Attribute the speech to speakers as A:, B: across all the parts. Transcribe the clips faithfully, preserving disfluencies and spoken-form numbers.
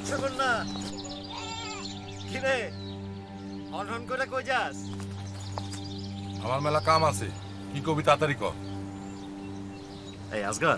A: মৎস্যকন্যা কিরে অনহন করে কই যাস?
B: আমার মেলা কাম আছে, কি কবি তাড়াতাড়ি কর।
A: এই আসগর,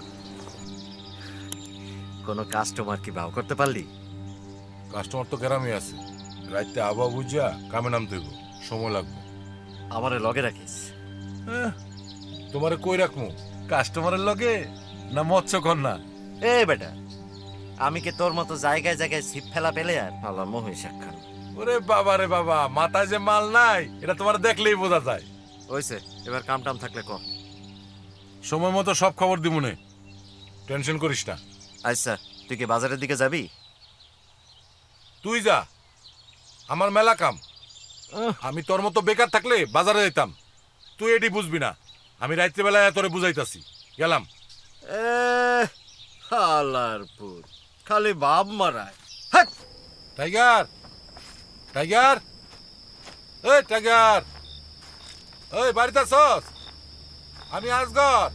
A: কোন কাস্টমার কি ভাও করতে পারলি?
B: কাস্টমার তো গ্রামে আছে, রাইতে আবহাওয়া বুঝিয়া কামে নামতে হইব, সময় লাগবে।
A: আমারে লগে রাখিস।
B: তোমারে কই রাখমু, কাস্টমারের লগে না মৎস্যকন্যা?
A: এ বেটা, আমি কি তোর মতো জায়গায় জায়গায় ছিপ ফেলা পেলে আর আল্লাহ মহিষ একখান।
B: ওরে বাবা রে বাবা, মাথায় যে মাল নাই এটা তোমার দেখলেই বোঝা যায়।
A: ওইছে, এবার কাম টাম থাকলে ক।
B: সময় মতো সব খবর দিমুনে, টেনশন করিস না।
A: আচ্ছা, তুই কি বাজারের দিকে যাবি?
B: তুই যা, আমার মেলা কাম। আমি তোর মতো বেকার থাকলে বাজারে যেতাম, তুই এটি বুঝবি না। আমি রাত্রিবেলায় তোরে বুঝাইতাছি, গেলাম।
A: এ হালার পুত, খালি বাপ মারায়। হাট!
B: টাইগার, টাইগার, এই টাইগার, এই বাড়িতে আছস? আমি আসগর।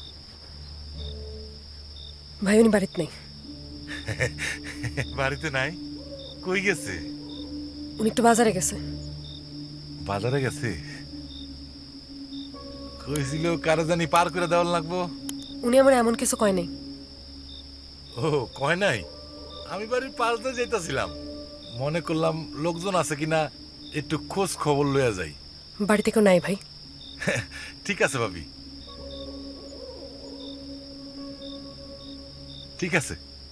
C: ভাই উনি বাড়িতে নেই।
B: বাড়িতে নাই? কই গেছে?
C: উনি একটু বাজারে গেছে।
B: বাজারে গেছে? কইছিল কারে জানি পার করে দেওয়ার লাগবো।
C: উনি আমার এমন কিছু কয় নাই।
B: ও কয় নাই? আমি বাড়ির পাশ দিয়ে যেতেছিলাম, মনে করলাম লোকজন আছে কিনা একটু খোঁজ খবর লইয়া যাই।
C: বাড়িতে কেউ নাই ভাই।
B: ঠিক আছে ভাবি, ঠিক আছে।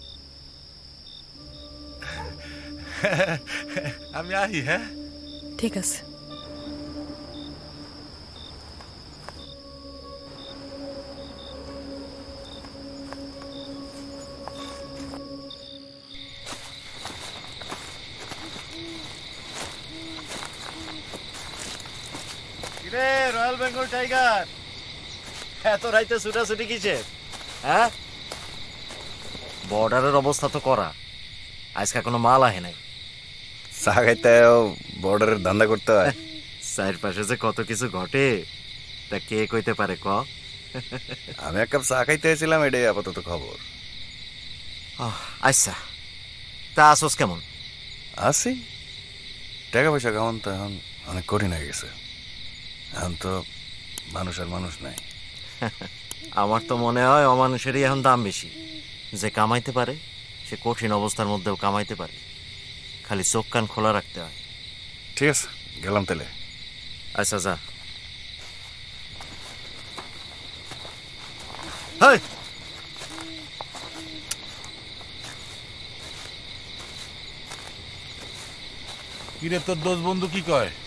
B: আমি আহি। হ্যাঁ
C: ঠিক আছে।
A: কিরে রয়্যাল বেঙ্গল টাইগার, এত রাইতে ছুটাছুটি কিসে? হ্যাঁ, বর্ডারের অবস্থা তো করা, আজকে কোনো মাল আহে নাই।
D: চা খাইতে বর্ডারের ধান্দা করতে হয়।
A: চারপাশে যে কত কিছু ঘটে তা কে কইতে পারে ক?
D: আমি এক কাপ চা খাইতে এসেছিলাম, এটাই আপাতত খবর।
A: আহ, আচ্ছা, তা আসোস কেমন?
D: আসি, টাকা পয়সা কেমন তো এখন অনেক কঠিন হয়ে গেছে। এখন তো মানুষ আর মানুষ নাই।
A: আমার তো মনে হয় অমানুষেরই এখন দাম বেশি। যে কামাইতে পারে সে কঠিন অবস্থার মধ্যেও কামাইতে পারে, খালি চোখ কান খোলা রাখতে হয়।
D: ঠিক আছে, গেলাম তাহলে।
A: আচ্ছা যা। হেই!
B: কিরে তোর দোষ বন্ধু কি কয়?